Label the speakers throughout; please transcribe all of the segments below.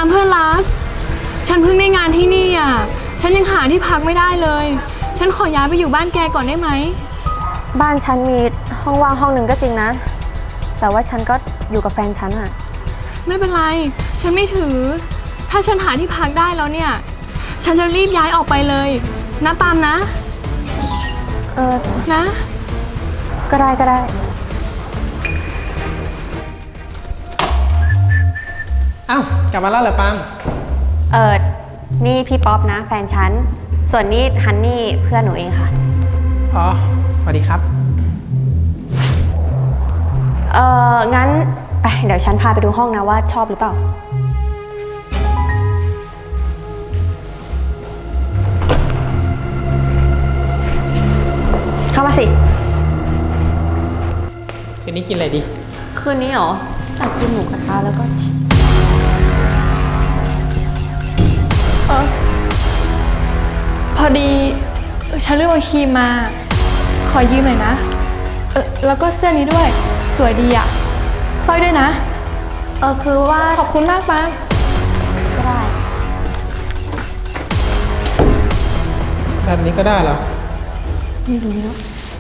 Speaker 1: เพื่อนรักฉันเพิ่งได้งานที่นี่อ่ะฉันยังหาที่พักไม่ได้เลยฉันขอย้ายไปอยู่บ้านแกก่อนได้ไหม
Speaker 2: บ้านฉันมีห้องว่างห้องหนึ่งก็จริงนะแต่ว่าฉันก็อยู่กับแฟนฉันอะ
Speaker 1: ไม่เป็นไรฉันไม่ถือถ้าฉันหาที่พักได้แล้วเนี่ยฉันจะรีบย้ายออกไปเลยนะปาล์มนะนะ
Speaker 2: ก็ได้
Speaker 3: เอ้ากลับมาแล้วเหรอปาล์ม
Speaker 2: นี่พี่ป๊อปนะแฟนฉันส่วนนี้ฮันนี่เพื่อนหนูเองค่ะ
Speaker 3: อ๋อสวัสดีครับ
Speaker 2: งั้นไปเดี๋ยวฉันพาไปดูห้องนะว่าชอบหรือเปล่าเข้ามาสิ
Speaker 3: คืนนี้กินอะไรดี
Speaker 2: คืนนี้เหรออยากกินหมูกระทะแล้วก็
Speaker 1: พอดีฉันลืมเอาครีมมาขอยืมหน่อยนะแล้วก็เสื้อนี้ด้วยสวยดีอะสร้อยด้วยนะ
Speaker 2: คือว่า
Speaker 1: ขอบคุณมากปาล์ม
Speaker 2: ก็ได้
Speaker 3: แบบนี้ก็ได้เหรอ
Speaker 2: ไม่รู้แล้ว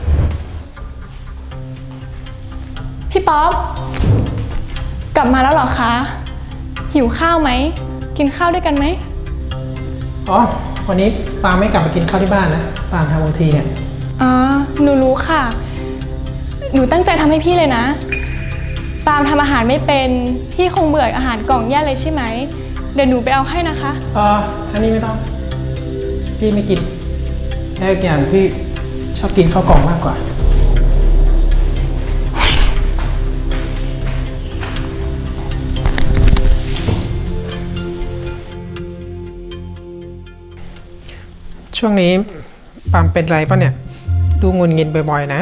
Speaker 1: พี่ป๊อปกลับมาแล้วเหรอคะหิวข้าวไหมกินข้าวด้วยกันไหม
Speaker 3: อ๋อวันนี้ปาล์มไม่กลับมากินข้าวที่บ้านนะปาล์มทำโอทีเนี่ย
Speaker 1: อ๋อหนูรู้ค่ะหนูตั้งใจทำให้พี่เลยนะปาล์มทำอาหารไม่เป็นพี่คงเบื่ออาหารกล่องแย่เลยใช่ไหมเดี๋ยวหนูไปเอาให้นะคะ
Speaker 3: อันนี้ไม่ต้องพี่ไม่กินแล้วอีกอย่างพี่ชอบกินข้าวกล่องมากกว่าช่วงนี้ปาล์มเป็นไรป่ะเนี่ยดูงุนงิดบ่อยๆนะ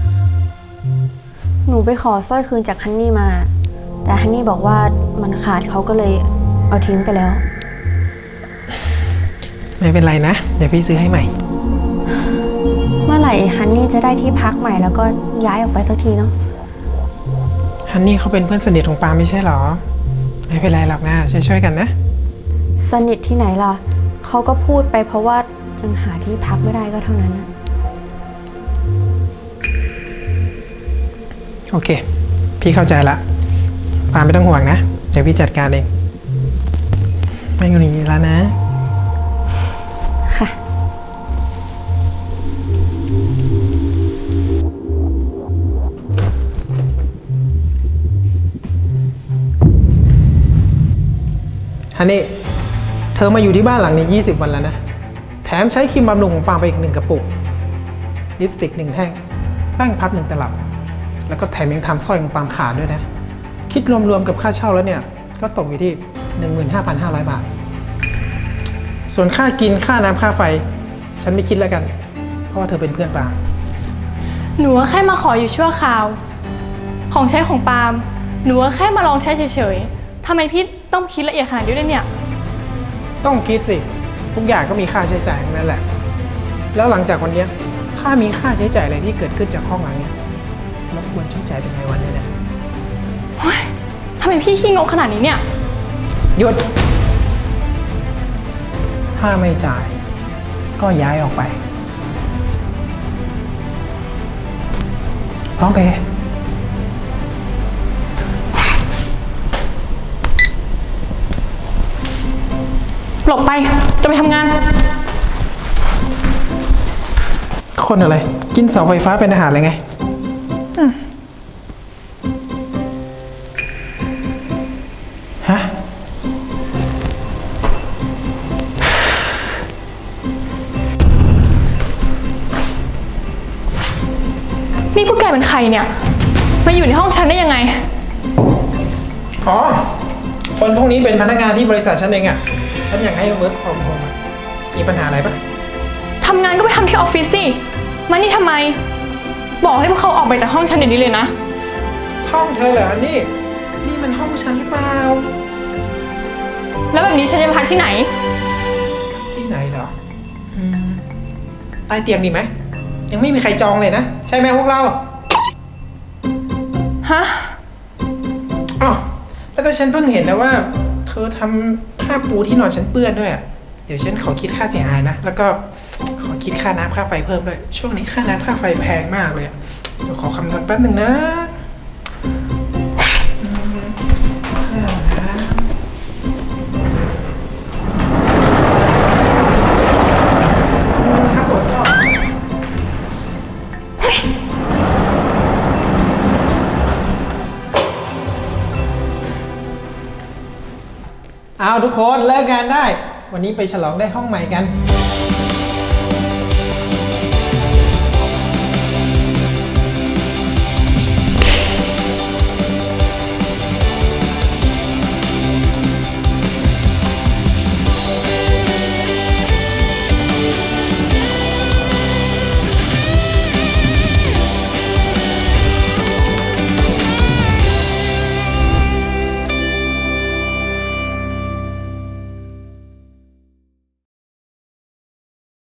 Speaker 2: หนูไปขอสร้อยคืนจากฮันนี่มาแต่ฮันนี่บอกว่ามันขาดเขาก็เลยเอาทิ้งไปแล้ว
Speaker 3: ไม่เป็นไรนะเดี๋ยวพี่ซื้อให้ใหม่
Speaker 2: เมื่อไหร่ฮันนี่จะได้ที่พักใหม่แล้วก็ย้ายออกไปสักทีเนาะ
Speaker 3: ฮันนี่เขาเป็นเพื่อนสนิทของปาล์มไม่ใช่หรอไม่เป็นไรหรอกนะช่วยๆกันนะ
Speaker 2: สนิทที่ไหนล่ะเขาก็พูดไปเพราะว่ายังหาที่พักไม่ได้ก็เท่านั้นนะ
Speaker 3: โอเคพี่เข้าใจละปาล์มไม่ต้องห่วงนะเดี๋ยวพี่จัดการเองไม่งุนงิดแล้วนะ
Speaker 2: ค่ะ
Speaker 3: ฮันนี่เธอมาอยู่ที่บ้านหลังนี้20 วันแล้วนะแถมใช้ครีมบำรุงของปาล์มไปอีก1 กระปุกลิปสติก1 แท่งแป้งพับ1 ตลับแล้วก็แถมยังทำสร้อยของปาล์มขาดด้วยนะคิดรวมๆกับค่าเช่าแล้วเนี่ยก็ตกอยู่ที่ 15,500 บาทส่วนค่ากินค่าน้ำค่าไฟฉันไม่คิดแล้วกันเพราะว่าเธอเป็นเพื่อนปาล์ม
Speaker 1: หนูก็แค่มาขออยู่ชั่วคราวของใช้ของปาล์มหนูก็แค่มาลองใช้เฉยๆทำไมพี่ต้องคิดละเอียดขนาดนี้ด้วยเนี่ย
Speaker 3: ต้องคิดสิทุกอย่างก็มีค่าใช้จ่ายทั้งนั้นแหละแล้วหลังจากวันนี้ถ้ามีค่าใช้จ่ายอะไรที่เกิดขึ้นจากห้องหลังนี้รบกวนช่วยจ่ายเป็นรายวันด้วยนะ
Speaker 1: ทำไมพี่ขี้งกขนาดนี้เนี่ย
Speaker 3: หยุดถ้าไม่จ่ายก็ย้ายออกไปโอเค
Speaker 1: หลบไปจะไปทำงาน
Speaker 3: คนอะไรกินเสาไฟฟ้าเป็นอาหารเลยไงฮะ
Speaker 1: นี่พวกแกเป็นใครเนี่ยมาอยู่ในห้องฉันได้ยังไง
Speaker 3: อ๋อคนพวกนี้เป็นพนักงานที่บริษัทฉันเองอ่ะฉันอยากให้เวิร์กฟรอมโฮมมีปัญหาอะไรปะ
Speaker 1: ทำงานก็ไปทำที่ออฟฟิศสิมานี่ทำไมบอกให้พวกเขาออกไปจากห้องฉันเดี๋ยวนี้เลยนะ
Speaker 3: ห้องเธอเหรอนี่มันห้องฉันหรือเปล่า
Speaker 1: แล้วแบบนี้ฉันจะพักที่ไหน
Speaker 3: ที่ไหนเหรอใต้เตียงดีไหมยังไม่มีใครจองเลยนะใช่ไหมพวกเรา
Speaker 1: ฮะ
Speaker 3: อ๋อแล้วก็ฉันเพิ่งเห็นนะว่าเธอทำผ้าปูที่นอนฉันเปื้อนด้วยอะเดี๋ยวฉันขอคิดค่าเสียหายนะ แล้วก็ขอคิดค่าน้ำค่าไฟเพิ่มด้วย ช่วงนี้ค่าน้ำค่าไฟแพงมากเลยอะเดี๋ยวขอคำนวณแป๊บหนึ่งนะครับผมก็เอาทุกคนเลิกงานได้ วันนี้ไปฉลองได้ห้องใหม่กัน